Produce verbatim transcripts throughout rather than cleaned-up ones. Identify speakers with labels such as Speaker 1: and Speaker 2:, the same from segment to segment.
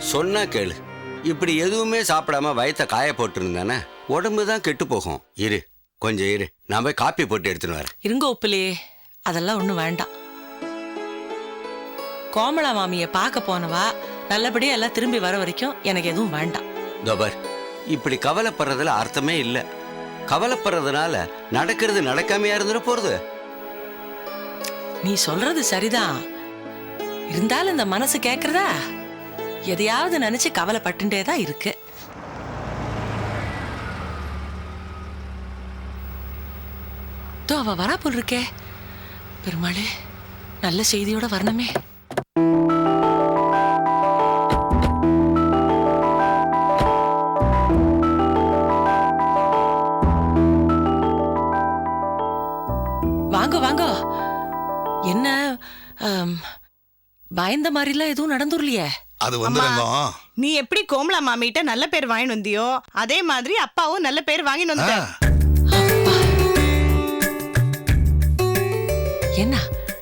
Speaker 1: சொன்னா கேளு. இப்படி எதுவுமே சாப்பிடாம வயத்தை காய போட்டுருந்தானே உடம்பு தான் கெட்டு போகும். இரு கொஞ்சம் இரு, நான் போய் காப்பி போட்டு எடுத்துன்னு வரேன்.
Speaker 2: இருங்க உப்பிலே, அதெல்லாம் ஒன்றும் வேண்டாம். கோமலா மாமியை பார்க்க போனவா நல்லபடியா எல்லாம் திரும்பி வர வரைக்கும் எனக்கு எதுவும் வேண்டாம்.
Speaker 1: தோபர், இப்படி கவலைப்படுறதுல அர்த்தமே இல்லை. கவலைப்படுறதுனால நடக்கிறது நடக்காமையா இருந்துட போறது.
Speaker 2: நீ சொல்றது சரிதான், இருந்தாலும் இந்த மனசு கேக்குறதா எதையாவது நினைச்சு கவலைப்பட்டுட்டே தான் இருக்கு. தோ அவ வரா போல் இருக்கே. பெருமாளே, நல்ல செய்தியோட வரணுமே. வாங்க வாங்க. என்ன பயந்த மாதிரிலாம் எதுவும் நடந்துடலையே?
Speaker 3: அது வந்து
Speaker 4: நீ எப்படி கோமலா மாமிட்ட நல்ல பேர் வாங்கிட்டு வந்தியோ அதே மாதிரி அப்பாவும் நல்ல பேர் வாங்கிட்டு வந்துட்டார்.
Speaker 2: என்ன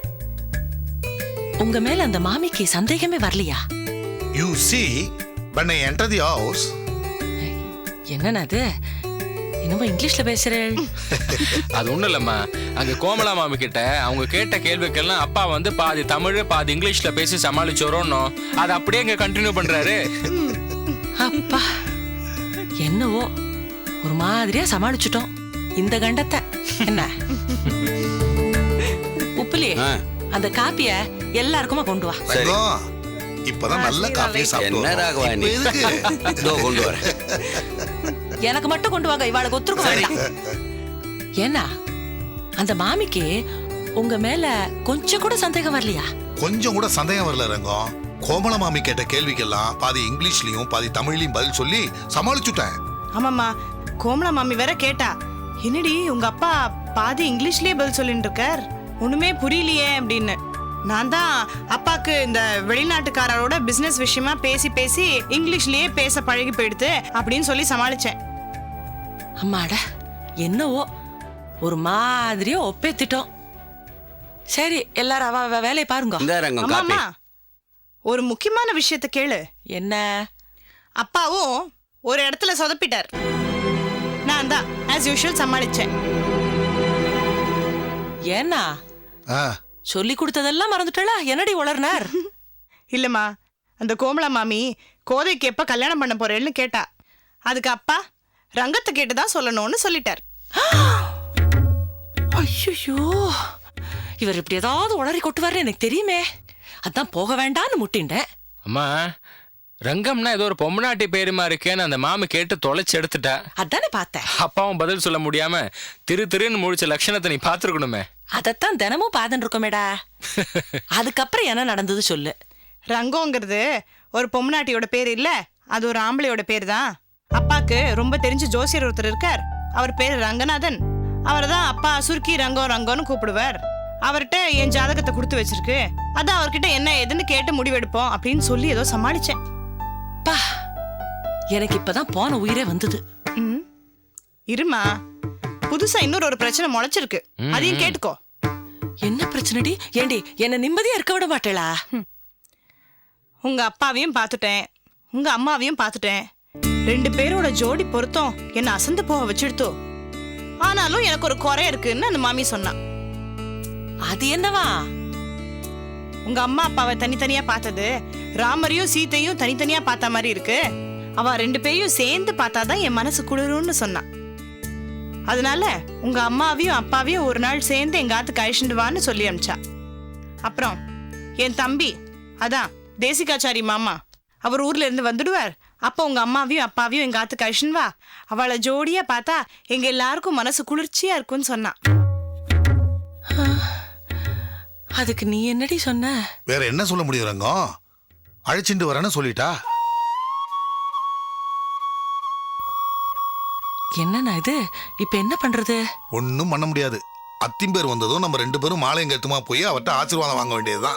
Speaker 2: உங்க மேல அந்த மாமிக்கு சந்தேகமே வரலையா?
Speaker 3: You see, when I enter the house.
Speaker 2: என்னன்னா அது என்னமோ இங்கிலீஷ்ல பேசுறேன்.
Speaker 5: அது ஒண்ணும் இல்லம்மா, அங்க கோமலா மாமி கிட்ட அவங்க கேட்ட கேள்விக்கெல்லாம் அப்பா வந்து பாதி தமிழ் பாதி இங்கிலீஷ்ல பேசி சமாளிச்சோரோன்னு அதை அப்படியே இங்க கண்டினியூ பண்றாரு.
Speaker 2: அப்பா என்னவோ ஒரு மாதிரியா சமாளிச்சுட்டோம் இந்த கண்டத்தை. என்ன உப்புலி, அந்த காப்பிய எல்லாருக்குமா கொண்டு வா.
Speaker 3: இப்பதான் நல்ல காஃபி சாப்பிட்டு
Speaker 1: கொண்டு வர.
Speaker 2: எனக்கு மட்டும் கொண்டு வாங்க, இவாளுக்கு ஒத்துருக்க வேண்டாம். ஏன்னா அந்த மாமிக்கு உங்க மேல கொஞ்சம் கூட சந்தேகம் வரலையா?
Speaker 3: கொஞ்சம் கூட சந்தேகம் வரல ரங்கம். கோமலா மாமி கேட்ட கேள்விக்கெல்லாம் பாதி இங்கிலீஷ்லயும் பாதி தமிழ்லயும் பதில் சொல்லி சமாளிச்சுட்டேன்.
Speaker 4: ஆமாம்மா, கோமலா மாமி வேற கேட்டா, என்னடி உங்க அப்பா பாதி இங்கிலீஷ்லயே பதில் சொல்லிட்டு இருக்கார், ஒண்ணுமே புரியலையே அப்படின்னு. நான் தான் அப்பாக்கு இந்த வெளிநாட்டுக்காரரோட பிசினஸ் விஷயமா பேசி பேசி இங்கிலீஷ்லயே பேச பழகி போயிடுது அப்படின்னு சொல்லி சமாளிச்சேன்.
Speaker 2: அம்மாடா, என்னவோ ஒரு மாதிரியா ஒப்பேத்திட்டோம். சரி, எல்லாரும் அவ வேலையை பாருங்க.
Speaker 4: ஒரு முக்கியமான விஷயத்த கேளு.
Speaker 2: என்ன?
Speaker 4: அப்பாவும் ஒரு இடத்துல சொதப்பிட்டார். நான் தான் as usual சமாளிச்சேன்.
Speaker 2: ஏன்னா சொல்லி கொடுத்ததெல்லாம் மறந்துட்டா? என்னடி உளர்னார்?
Speaker 4: இல்லம்மா, அந்த கோமலா மாமி கோதைக்கு எப்ப கல்யாணம் பண்ண போறேன்னு கேட்டா. அதுக்கு அப்பா ரங்கத்தை கேட்டுதான் சொல்லணும்னு சொல்லிட்டார்.
Speaker 2: ஐயோ, இவர் இப்படி ஏதாவது உளறி கொட்டுவாரு எனக்கு தெரியுமே. அதான் போக வேண்டான்னு முட்டின்றேன்.
Speaker 5: அம்மா, ரங்கம்னா ஏதோ ஒரு பொம்மநாட்டி பேருமா இருக்கேன்னு அந்த மாமி கேட்டு தொலைச்சு எடுத்துட்டா.
Speaker 2: அதானே பார்த்தேன்.
Speaker 5: அப்பாவும் பதில் சொல்ல முடியாம திரு திருன்னு முடிச்ச லட்சணத்தை நீ பாத்துருக்கணுமே.
Speaker 2: அதத்தான் தினமும் பாத்துட்டு இருக்கோமேடா. அதுக்கப்புறம் என்ன நடந்தது சொல்லு.
Speaker 4: ரங்கோங்கிறது ஒரு பொம்மநாட்டியோட பேர் இல்ல, அது ஒரு ஆம்பளையோட பேர் தான். அப்பாக்கு ரொம்ப தெரிஞ்ச ஜோசியர் ஒருத்தர் இருக்கார், அவர் பேரு ரங்கநாதன். அவர் தான் அப்பா சுருக்கி ரங்கோ ரங்கோன்னு கூப்பிடுவார். அவர்கிட்ட என் ஜாதகத்தை கொடுத்து வச்சிருக்கு, அதான் அவர்கிட்ட என்ன ஏதுன்னு கேட்டு முடிவெடுப்போம் அப்படின்னு சொல்லி ஏதோ சமாளிச்சேன்.
Speaker 2: பா, எனக்கு இப்பதான் போன உயிரே வந்தது.
Speaker 4: இருமா, புதுசா இன்னொரு ஒரு பிரச்சனை முளைச்சிருக்கு, அதையும் கேட்டுக்கோ.
Speaker 2: என்ன பிரச்சனைடி? ஏண்டி என்ன நிம்மதியா இருக்க விட மாட்டேளா?
Speaker 4: உங்க அப்பாவையும் பார்த்துட்டேன், உங்க அம்மாவையும் பார்த்துட்டேன். ரெண்டு பேரோட ஜோடி பொருத்தம் என்ன அசந்து போக வச்சிடுத்தோ. ஆனாலும் எனக்கு ஒரு குறை இருக்குன்னு அந்த மாமி சொன்னான்.
Speaker 2: அது என்னவா?
Speaker 4: உங்க அம்மா அப்பாவை தனித்தனியா பார்த்தது ராமரையும் சீத்தையும் தனித்தனியா பார்த்த மாதிரி இருக்கு. அவ ரெண்டு பேரையும் சேர்ந்து பார்த்தாதான் என் மனசு குளிரும்னு சொன்னான். அதனால உங்க அம்மாவையும் அப்பாவையும் ஒரு நாள் சேர்ந்து எங்க ஆத்துக்கு அழிச்சுட்டு வான்னு சொல்லி அனுப்பிச்சா. அப்புறம் என் தம்பி, அதான் தேசிகாச்சாரி மாமா, அவர் ஊர்ல இருந்து வந்துடுவார். அப்போ உங்க அம்மாவையும் அப்பாவையும் எங்க ஆத்துக்கு அழிச்சுன்னு வா, அவளை ஜோடியா பார்த்தா எங்க எல்லாருக்கும் மனசு குளிர்ச்சியா இருக்கும்னு சொன்னான்.
Speaker 2: அதுக்கு நீ என்னடி சொன்ன?
Speaker 3: வேற என்ன சொல்ல முடியும் ரங்கம், அழைச்சிட்டு வரேன்னு சொல்லிட்டா.
Speaker 2: என்னன்னா இது? இப்ப என்ன பண்றது?
Speaker 3: ஒன்னும் பண்ண முடியாது. அத்திம்பேர் வந்ததும் நம்ம ரெண்டு பேரும் மாலையும் கருத்துமா போய் அவர்கிட்ட ஆசீர்வாதம் வாங்க வேண்டியதுதான்.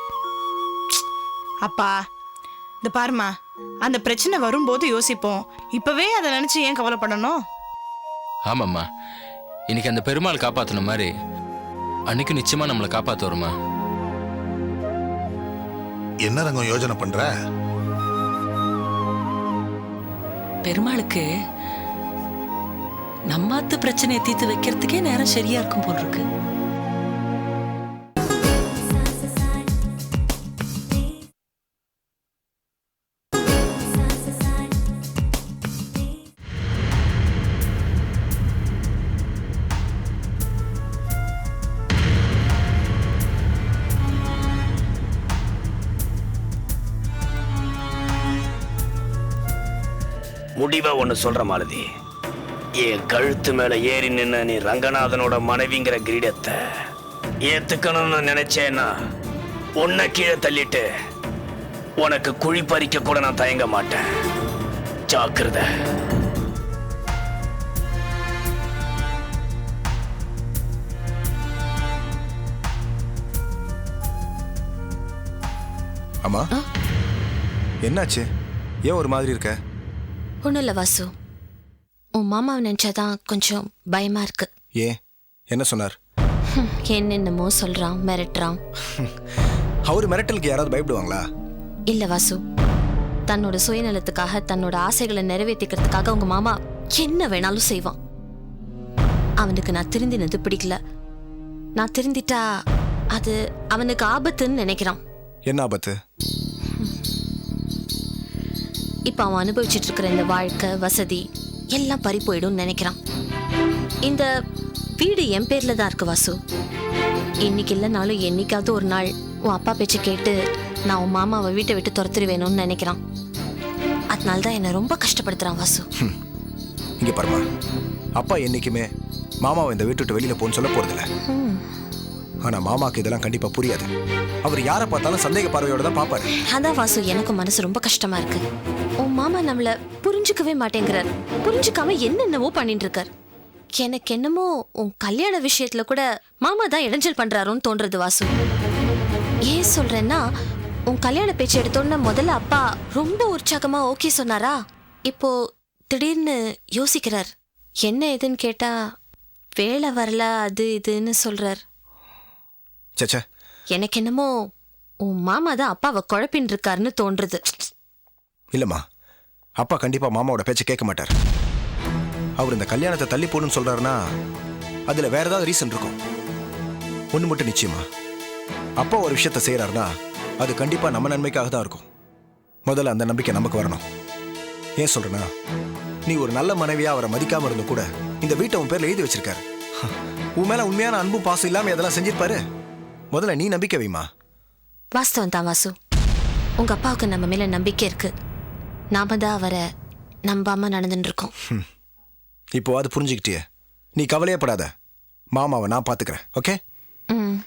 Speaker 4: அப்பா, இந்த பாருமா, அந்த பிரச்சனை வரும்போது யோசிப்போம், இப்பவே அதை நினைச்சு ஏன் கவலைப்படணும்?
Speaker 5: ஆமாம்மா, இன்னைக்கு அந்த பெருமாள் காப்பாத்தின மாதிரி அன்னைக்கு நிச்சயமா நம்மளை காப்பாத்து வருமா?
Speaker 3: என்ன ரங்கம் யோசனை பண்ற?
Speaker 2: பெருமாளுக்கு நம்மாத்து பிரச்சனையை தீர்த்து வைக்கிறதுக்கே நேரம் சரியா இருக்கும் போல் இருக்கு.
Speaker 6: முடிவா ஒண்ணு சொல்ற மாலதி, என் கழுத்து மேல ஏறி நின்ன நீ ரங்கநாதனோட மனைவிங்கிற கிரீடத்தை ஏத்துக்கணும்னு நினைச்சேன்னா உன்னை கீழே தள்ளிட்டு உனக்கு குழி பறிக்க கூட நான் தயங்க மாட்டேன். ஜாக்கிரதை.
Speaker 7: அம்மா, என்னாச்சு? ஏன் ஒரு மாதிரி இருக்க?
Speaker 8: ஒன்றும் இல்லை வாசு, உன் மாமாவை நினச்சாதான் கொஞ்சம் பயமா இருக்கு.
Speaker 7: ஏன், என்ன சொன்னார்?
Speaker 8: ஹம், என்னென்னமோ சொல்றான், மிரட்டுறான்.
Speaker 7: அவர் மிரட்டலுக்கு யாராவது பயப்படுவாங்களா?
Speaker 8: இல்லை வாசு, தன்னோட சுயநலத்துக்காக தன்னோட ஆசைகளை நிறைவேற்றிக்கிறதுக்காக உங்க மாமா என்ன வேணாலும் செய்வான். அவனுக்கு நான் திருந்தினது பிடிக்கல. நான் திருந்திட்டா அது அவனுக்கு ஆபத்துன்னு நினைக்கிறான்.
Speaker 7: என்ன ஆபத்து?
Speaker 8: இப்ப அவன் அனுபவிச்சுட்டு இருக்கிற இந்த வாழ்க்கை வசதி எல்லாம் பறி போயிடும் நினைக்கிறான். இந்த வீடு என் பேர்ல தான் இருக்கு வாசு. இன்னைக்கு இல்லைனாலும் என்னைக்காவது ஒரு நாள் உன் அப்பா பேச்சு கேட்டு நான் உன் மாமாவை வீட்டை விட்டு துரத்துருவேணும்னு நினைக்கிறான். அதனால தான் என்னை ரொம்ப கஷ்டப்படுத்துறான் வாசு.
Speaker 7: இங்க பாருமா, அப்பா என்னைக்குமே மாமாவை இந்த வீட்டு விட்டு வெளியில போன்னு சொல்ல போறதில்ல. ஆனா மாமாக்கு இதெல்லாம் கண்டிப்பா புரியாது. அவர் யாரை பார்த்தாலும் சந்தேக பார்வையோட தான் பாப்பாரு.
Speaker 8: அதான் வாசு, எனக்கும் மனசு ரொம்ப கஷ்டமா இருக்கு. உன் மாமா நம்மள புரிஞ்சுக்கவே மாட்டேங்கிறார். புரிஞ்சுக்காம என்னென்னவோ பண்ணிட்டு இருக்கார். எனக்கு என்னமோ உன் கல்யாண விஷயத்துல கூட மாமா தான் இடைஞ்சல் பண்றாரோன்னு தோன்றது வாசு. ஏன் சொல்றேன்னா, உன் கல்யாண பேச்சு எடுத்தோன்னு முதல்ல அப்பா ரொம்ப உற்சாகமா ஓகே சொன்னாரா, இப்போ திடீர்னு யோசிக்கிறார். என்ன ஏதுன்னு கேட்டா வேலை வரல அது இதுன்னு சொல்றார்.
Speaker 7: சச்சா,
Speaker 8: எனக்கு என்னமோ உன் மாமா தான் அப்பாவை குழப்பின்னு இருக்காருன்னு தோன்றுது.
Speaker 7: இல்லம்மா, அப்பா கண்டிப்பா மாமாவோட பேச்சை கேட்க மாட்டார். அவர் இந்த கல்யாணத்தை தள்ளி போடுன்னு சொல்றாருன்னா அதுல வேற ஏதாவது ரீசன் இருக்கும். ஒண்ணு மட்டும் நிச்சயமா, அப்பா ஒரு விஷயத்த செய்யறாருன்னா அது கண்டிப்பா நம்ம நன்மைக்காக தான் இருக்கும். முதல்ல அந்த நம்பிக்கை நமக்கு வரணும். ஏன் சொல்றேன்னா, நீ ஒரு நல்ல மனைவியா அவரை மதிக்காம இருந்த கூட இந்த வீட்டை உன் பேர்ல எழுதி வச்சிருக்காரு. உன் மேல உண்மையான அன்பும் பாசம் இல்லாம இதெல்லாம் செஞ்சிருப்பாரு. முதல்ல நீ நம்பிக்கை வைமா.
Speaker 8: வாஸ்தவம் தான் வாசு, உங்க அப்பாவுக்கு நம்ம மேல நம்பிக்கை இருக்கு. நாம தான் அவரை நம்பாம நடந்துட்டு இருக்கோம்.
Speaker 7: இப்போ அது புரிஞ்சுக்கிட்டியே, நீ கவலையே படாத. மாமாவை நான் பாத்துக்கிறேன். ஓகே?
Speaker 8: ம்.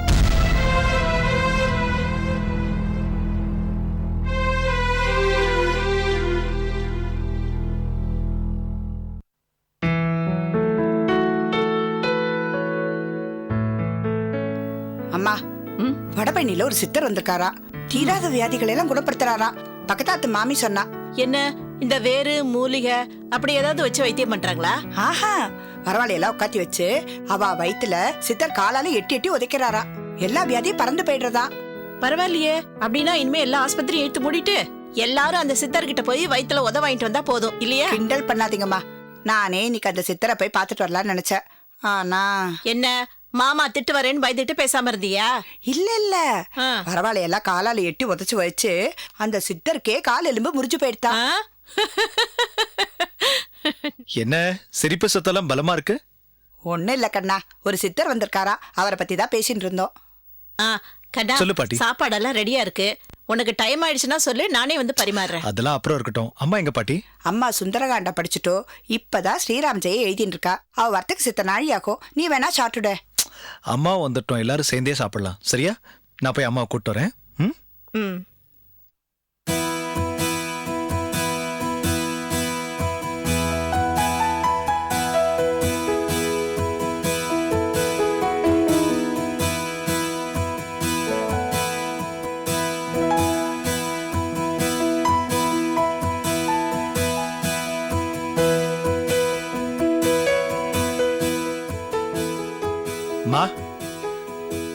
Speaker 9: அம்மா, வடபழனியில ஒரு சித்தர் வந்திருக்காரா. தீராத வியாதிகளை எல்லாம் குணப்படுத்துறாரா. பக்கத்தாத்து மாமி சொன்னா.
Speaker 4: என்ன இந்த வேறு மூலிகை அப்படி ஏதாவது வச்சு வைத்தியம் பண்றாங்களா?
Speaker 9: ஆஹா, பரவாயில்லையெல்லாம் உட்காத்தி வச்சு அவ வயித்துல சித்தர் காலால எட்டி எட்டி உதைக்கிறாரா. எல்லா வியாதியும் பறந்து போயிடுறதா.
Speaker 4: பரவாயில்லையே, அப்படின்னா இனிமே எல்லா ஆஸ்பத்திரியும் எடுத்து மூடிட்டு எல்லாரும் அந்த சித்தர்கிட்ட போய் வயித்துல உத வாங்கிட்டு வந்தா போதும் இல்லையா?
Speaker 9: கிண்டல் பண்ணாதீங்கம்மா. நானே இன்னைக்கு அந்த சித்தரை போய் பாத்துட்டு வரலாம்னு நினைச்சேன். ஆனா
Speaker 4: என்ன மாமா திட்டு வரேன்னு பயந்துட்டு பேசாம இருந்தியா?
Speaker 9: இல்ல இல்ல,
Speaker 4: ஆ.
Speaker 9: பரவாயில்லையெல்லாம் காலால எட்டி உதைச்சு வச்சு அந்த சித்தருக்கே கால் எலும்பு முறிஞ்சு போயிடுதா.
Speaker 4: ஆ?
Speaker 10: என்ன சிரிப்பு சத்தெல்லாம் பலமா இருக்கு?
Speaker 9: ஒண்ணும் இல்ல கண்ணா, ஒரு சித்தர் வந்திருக்காரா, அவரை பத்தி தான் பேசிட்டு இருந்தோம்.
Speaker 4: ஆ, கண்ணா,
Speaker 10: சொல்லு பாட்டி.
Speaker 4: சாப்பாடெல்லாம் ரெடியா இருக்கு. உனக்கு டைம் ஆயிடுச்சுன்னா சொல்லு, நானே வந்து பரிமாறுறேன்.
Speaker 10: அதெல்லாம் அப்புறம் இருக்கட்டும். அம்மா எங்க பாட்டி?
Speaker 9: அம்மா சுந்தரகாண்ட படிச்சுட்டோ இப்பதான் ஸ்ரீராம் ஜெய எழுதிட்டு இருக்கா. அவ வர்த்தக சித்த நாழியாக்கும். நீ வேணா சாப்பிட்டுட.
Speaker 10: அம்மா வந்துட்டோம், எல்லாரும் சேர்ந்தே சாப்பிடலாம். சரியா? நான் போய் அம்மாவை கூப்பிட்டு வரேன். ம்?
Speaker 4: ம்.
Speaker 10: மா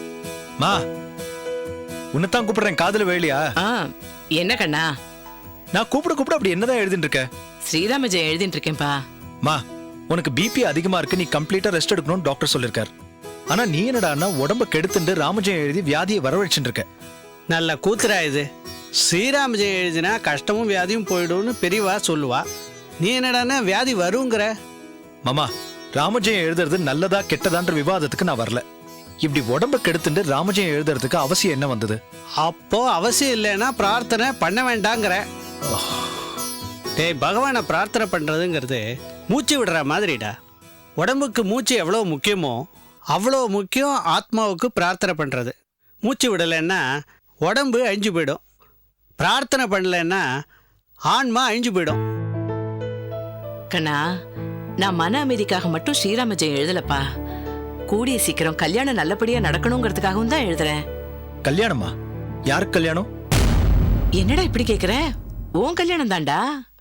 Speaker 10: மா, உன்னைத்தான் கூப்பிடுறேன். காதுல வேலையா?
Speaker 11: ஆ, என்ன கண்ணா?
Speaker 10: நான் கூப்பிட கூப்பிட அப்படி என்னதான் எழுதிட்டு இருக்க?
Speaker 2: ஸ்ரீராம ஜெயம் எழுதிட்டு இருக்கேன்பா.
Speaker 10: மா, உனக்கு பிபி அதிகமா இருக்கு, நீ கம்ப்ளீட்டா ரெஸ்ட் எடுக்கணும்னு டாக்டர் சொல்லிருக்காரு. ஆனா நீ என்னடான்னா உடம்ப கெடுத்துட்டு ராமஜெயம் எழுதி வியாதியை வரவழைச்சுட்டு இருக்க.
Speaker 11: நல்ல கூத்துரா இது. ஸ்ரீராமஜெயம் எழுதினா கஷ்டமும் வியாதியும் போயிடும்னு பெரியவா சொல்லுவா. நீ என்னடான்னா வியாதி வருங்கிற.
Speaker 10: மாமா, ராமஜெயம் எழுதுறது நல்லதா கெட்டதான்ற விவாதத்துக்கு நான் வரல. இப்படி உடம்ப கெடுத்துட்டு ராமஜெயம் எழுதுறதுக்கு அவசியம் என்ன வந்தது?
Speaker 11: அப்போ அவசியம் இல்லைன்னா பிரார்த்தனை பண்ண வேண்டாங்கிற. டேய், பகவானை பிரார்த்தனை பண்றதுங்கிறது மூச்சு விடுற மாதிரிடா. உடம்புக்கு மூச்சு எவ்வளோ முக்கியமோ அவ்வளோ முக்கியம் ஆத்மாவுக்கு பிரார்த்தனை பண்றது. மூச்சு விடலைன்னா உடம்பு அழிஞ்சு போயிடும். பிரார்த்தனை பண்ணலைன்னா ஆன்மா அழிஞ்சு போயிடும்.
Speaker 2: கண்ணா, நான் மன அமைதிக்காக மட்டும் ஸ்ரீராம ஜெயம் எழுதலப்பா. கூடிய சீக்கிரம் கல்யாணம் நல்லபடியா நடக்கணுங்கிறதுக்காகவும் தான் எழுதுறேன்.
Speaker 10: கல்யாணமா? யாருக்கு கல்யாணம்?
Speaker 2: என்னடா இப்படி கேக்குற? உன் கல்யாணம் தான்டா.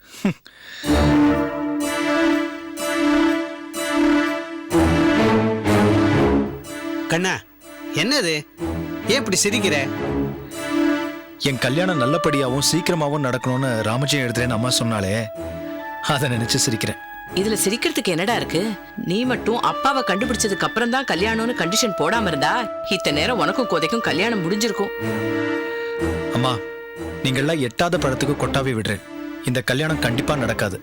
Speaker 11: கண்ணா, என்னது? ஏன் இப்படி சிரிக்கிற?
Speaker 10: என் கல்யாணம் நல்லபடியாவும் சீக்கிரமாவும் நடக்கணும்னு ராமஜெயம் எழுதுறேன்னு அம்மா சொன்னாலே, அதை நினைச்சு சிரிக்கிறேன்.
Speaker 2: இதுல சிரிக்கிறதுக்கு என்னடா இருக்கு? நீ மட்டும் அப்பாவை கண்டுபிடிச்சதுக்கு அப்புறம் தான் கல்யாணம்னு கண்டிஷன் போடாம இருந்தா இத்தனை நேரம் உனக்கும் கோதைக்கும் கல்யாணம் முடிஞ்சிருக்கும்.
Speaker 10: அம்மா, நீங்கள்லாம் எட்டாத பழத்துக்கு கொட்டாவே விடுறேன். இந்த கல்யாணம் கண்டிப்பா நடக்காது.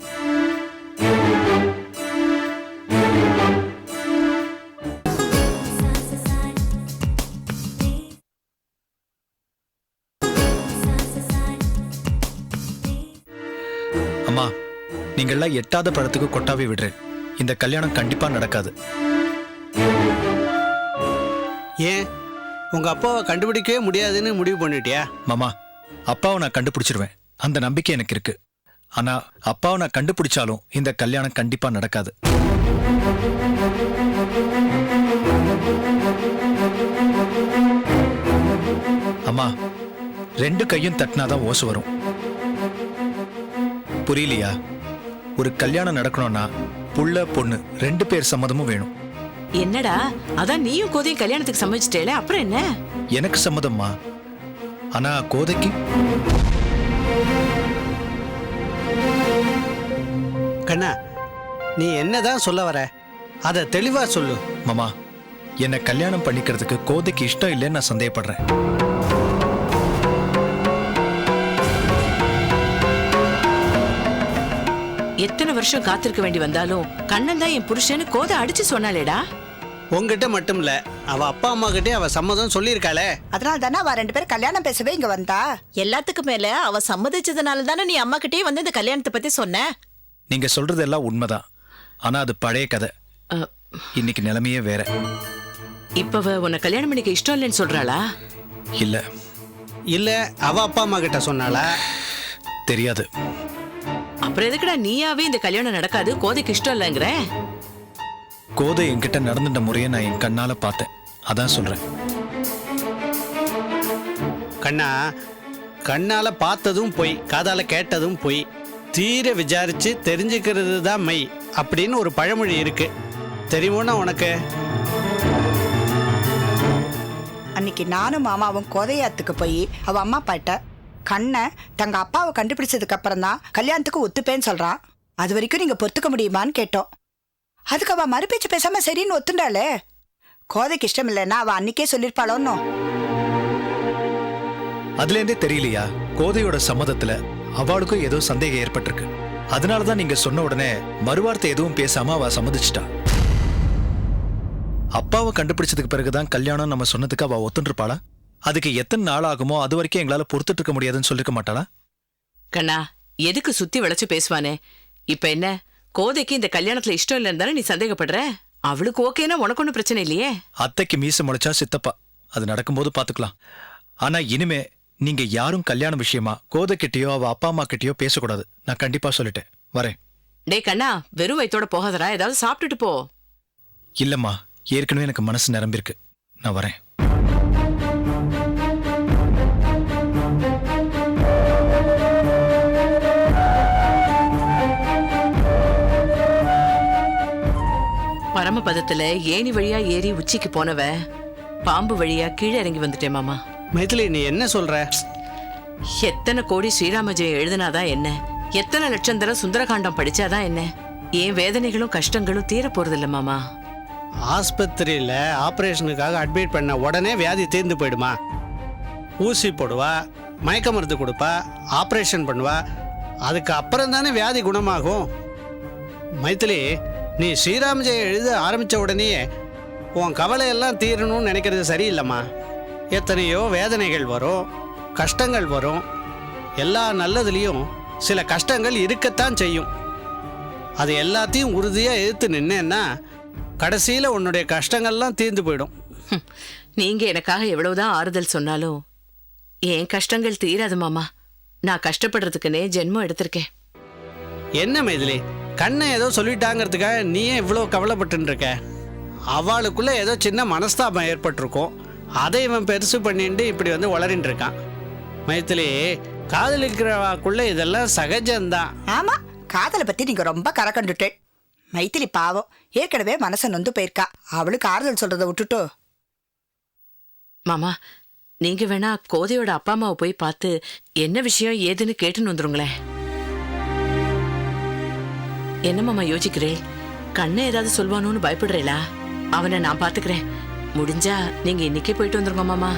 Speaker 10: அம்மா, நீங்கள்லாம் எட்டாத பழத்துக்கு கொட்டாவே விடுறேன். இந்த கல்யாணம் கண்டிப்பா நடக்காது.
Speaker 11: ஏன் உங்க அப்பாவை கண்டுபிடிக்கவே முடியாதுன்னு முடிவு பண்ணிட்டியா?
Speaker 10: மாமா, அப்பாவை நான் கண்டுபிடிச்சிருவேன், அந்த நம்பிக்கை எனக்கு இருக்கு. ஆனா அப்பாவை நான் கண்டுபிடிச்சாலும் இந்த கல்யாணம் கண்டிப்பா நடக்காது. அம்மா, ரெண்டு கையும் தட்டினாதான் ஓசு வரும். புரியலையா? ஒரு கல்யாணம் நடக்கணும்னா புள்ள பொண்ணு ரெண்டு பேர் சம்மதமும் வேணும்.
Speaker 2: என்னடா, அதான் நீயும் கோதையும் கல்யாணத்துக்கு சம்மதிச்சிட்டேல, அப்புறம் என்ன?
Speaker 10: எனக்கு சம்மதம்மா. ஆனா கோதைக்கு?
Speaker 11: கண்ணா, நீ என்னதான் சொல்ல வர? அத தெளிவா சொல்லு.
Speaker 10: மாமா, என்னை கல்யாணம் பண்ணிக்கிறதுக்கு கோதைக்கு இஷ்டம் இல்லைன்னு நான் சந்தேகப்படுறேன்.
Speaker 2: எத்தனை வருஷம் காத்திருக்க வேண்டி வந்தாலும் கண்ணன் தான் என் புருஷன்னு கோதை அடிச்சு சொன்னாலேடா.
Speaker 11: உங்ககிட்ட மட்டும் இல்ல, அவ அப்பா அம்மா கிட்டே அவ சம்மதம் சொல்லியிருக்காளே.
Speaker 9: அதனால தானே அவ ரெண்டு பேரும் கல்யாணம் பேசவே இங்க வந்தா.
Speaker 2: எல்லாத்துக்கும் மேல அவ சம்மதிச்சதுனால தானே நீ அம்மா கிட்டே வந்து இந்த கல்யாணத்தை பத்தி சொன்ன.
Speaker 10: நீங்க சொல்றது எல்லாம் உண்மைதான். ஆனா அது பழைய கதை. இன்னைக்கு நிலைமையே வேற.
Speaker 2: இப்ப உன்னை கல்யாணம் பண்ணிக்க இஷ்டம் இல்லைன்னு சொல்றாளா?
Speaker 10: இல்ல
Speaker 11: இல்ல, அவ அப்பா அம்மா கிட்ட சொன்னாளா?
Speaker 10: தெரியாது.
Speaker 2: அப்புறம் எதுக்குடா நீயாவே இந்த கல்யாணம் நடக்காது கோதைக்கு இஷ்டம் இல்லைங்கிற?
Speaker 10: கோதை என்கிட்ட நடந்துட்ட முறையை நான் என் கண்ணால பார்த்தேன், அதான் சொல்றேன்.
Speaker 11: கண்ணா, கண்ணால பார்த்ததும் பொய், காதால கேட்டதும் பொய், தீர விசாரிச்சு தெரிஞ்சுக்கிறது தான் மை அப்படின்னு ஒரு பழமொழி இருக்கு. தெரியுமோனா உனக்கு?
Speaker 9: அன்னைக்கு நானும் மாமாவும் கோதையாத்துக்கு போய் அவ அம்மா அப்பாட்ட கண்ணை தங்க அப்பாவை கண்டுபிடிச்சதுக்கு அப்புறம் தான் கல்யாணத்துக்கு ஒத்துப்பேன்னு சொல்றான். அது வரைக்கும் நீங்க பொறுத்துக்க முடியுமான்னு கேட்டோம். அதுக்கு அவ மறுபேச்சு பேசாம சரின்னு ஒத்துண்டாளே. கோதைக்கு இஷ்டம் இல்லைன்னா அவ அன்னைக்கே சொல்லிருப்பாளோன்னு.
Speaker 10: அதுல இருந்தே தெரியலையா, கோதையோட சம்மதத்துல அவளுக்கும் ஏதோ சந்தேகம் ஏற்பட்டிருக்கு. அதனாலதான் நீங்க சொன்ன உடனே மறுவார்த்தை எதுவும் பேசாம அவ சம்மதிச்சிட்டா. அப்பாவை கண்டுபிடிச்சதுக்கு பிறகுதான் கல்யாணம் நம்ம சொன்னதுக்கு அவ ஒத்துருப்பாளா? அதுக்கு எத்தனை நாள் ஆகுமோ அது வரைக்கும் எங்களால பொறுத்துட்டு இருக்க முடியாதுன்னு சொல்லிருக்க மாட்டாளா?
Speaker 2: கண்ணா, எதுக்கு சுத்தி வளைச்சு பேசுவானே? இப்ப என்ன, கோதைக்கு இந்த கல்யாணத்துல இஷ்டம் இல்லைன்னு தானே நீ சந்தேகப்படுற? அவளுக்கு ஓகேனா உனக்கு ஒன்றும் பிரச்சனை இல்லையே.
Speaker 10: அத்தைக்கு மீச முளைச்சா சித்தப்பா, அது நடக்கும்போது பாத்துக்கலாம். ஆனா இனிமே நீங்க யாரும் கல்யாண விஷயமா கோதை கிட்டயோ அவ அப்பா அம்மா கிட்டயோ பேசக்கூடாது. நான் கண்டிப்பா சொல்லிட்டேன். வரேன்.
Speaker 2: டே கண்ணா, வெறும் வயித்தோட போகாதடா, ஏதாவது சாப்பிட்டுட்டு போ.
Speaker 10: இல்லம்மா, ஏற்கனவே எனக்கு மனசு நிரம்பிருக்கு. நான் வரேன்.
Speaker 2: பரமபதத்துல ஏணி வழியா ஏறி உச்சிக்கு போனவ பாம்பு வழியா கீழே இறங்கி வந்துட்டேன் மாமா.
Speaker 11: மைதிலி, நீ என்ன சொல்ற?
Speaker 2: எத்தனை கோடி ஸ்ரீராம ஜெயம் எழுதினாதான் என்ன, எத்தனை லட்சம் தடவை சுந்தரகாண்டம் படிச்சாதான் என்ன, ஏன் வேதனைகளும் கஷ்டங்களும் தீர போறதில்ல மாமா.
Speaker 11: ஆஸ்பத்திரியில் ஆப்ரேஷனுக்காக அட்மிட் பண்ண உடனே வியாதி தீர்ந்து போயிடுமா? ஊசி போடுவா, மயக்க மருந்து கொடுப்பா, ஆப்ரேஷன் பண்ணுவா, அதுக்கு அப்புறம் தானே வியாதி குணமாகும். மைத்திலி, நீ ஸ்ரீராம் ஜெயம் எழுத ஆரம்பித்த உடனேயே உன் கவலையெல்லாம் தீரணும்னு நினைக்கிறது சரியில்லைம்மா. எத்தனையோ வேதனைகள் வரும், கஷ்டங்கள் வரும். எல்லா நல்லதுலேயும் சில கஷ்டங்கள் இருக்கத்தான் செய்யும். அது எல்லாத்தையும் உறுதியாக எதிர்த்து நின்னேன்னா கடைசியில் உன்னுடைய கஷ்டங்கள்லாம் தீர்ந்து போயிடும்.
Speaker 2: ஹம், நீங்க எனக்காக எவ்வளவுதான் ஆறுதல் சொன்னாலும் என் கஷ்டங்கள் தீராது மாமா. நான் கஷ்டப்படுறதுக்குன்னே ஜென்மம் எடுத்திருக்கேன்.
Speaker 11: என்ன மைதிலி, கண்ணை ஏதோ சொல்லிட்டாங்கிறதுக்காக நீயே இவ்வளோ கவலைப்பட்டு இருக்க? அவளுக்குள்ள ஏதோ சின்ன மனஸ்தாபம் ஏற்பட்டிருக்கும், அதை இவன் பெருசு பண்ணிட்டு இப்படி வந்து வளரின்னு இருக்கான். மைத்திலி, காதலிக்கிறவாக்குள்ள இதெல்லாம் சகஜம்தான்.
Speaker 9: ஆமா, காதலை பத்தி நீங்க ரொம்ப கரக்கண்டுட்டேன். மைத்திலி பாவம், ஏற்கனவே மனசை நொந்து போயிருக்கா. அவளுக்கு ஆறுதல் சொல்றதை விட்டுட்டோ.
Speaker 2: மாமா, நீங்க வேணா கோதையோட அப்பா அம்மாவை போய் பார்த்து என்ன விஷயம் ஏதுன்னு கேட்டுன்னு வந்துருங்களேன். என்ன மாமா யோசிக்கிறேன்? கண்ணை ஏதாவது சொல்வானோன்னு பயப்படுறேளா? அவனை நான் பாத்துக்கிறேன். முடிஞ்சா நீங்க இன்னைக்கே போயிட்டு வந்துருங்க மாமா.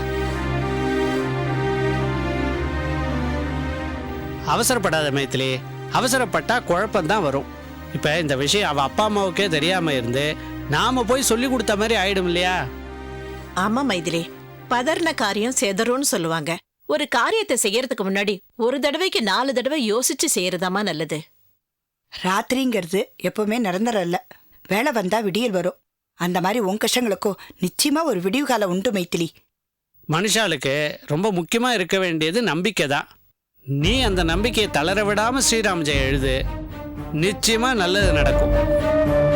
Speaker 11: அவசரப்படாத மைத்திலி, அவசரப்பட்டா குழப்பம்தான் வரும். இப்போ இந்த விஷயம் அவள் அப்பா அம்மாவுக்கே தெரியாம இருந்து நாம போய் சொல்லி கொடுத்த மாதிரி ஆயிடும் இல்லையா?
Speaker 12: ஆமா மைதிலி, பதர்ன காரியம் செதறும்னு சொல்லுவாங்க. ஒரு காரியத்தை செய்யறதுக்கு முன்னாடி ஒரு தடவைக்கு நாலு தடவை யோசிச்சு செய்யறதாமா நல்லது.
Speaker 9: ராத்திரிங்கிறது எப்பவுமே நிரந்தரம் இல்ல. வேலை வந்தா விடியல் வரும். அந்த மாதிரி உன் கஷ்டங்களுக்கும் நிச்சயமா ஒரு விடிவு காலம் உண்டு மைத்திலி.
Speaker 11: மனுஷாளுக்கு ரொம்ப முக்கியமா இருக்க வேண்டியது நம்பிக்கை தான். நீ அந்த நம்பிக்கையை தளர விடாம ஸ்ரீராம் ஜெயம் எழுது, நிச்சயமா நல்லது நடக்கும்.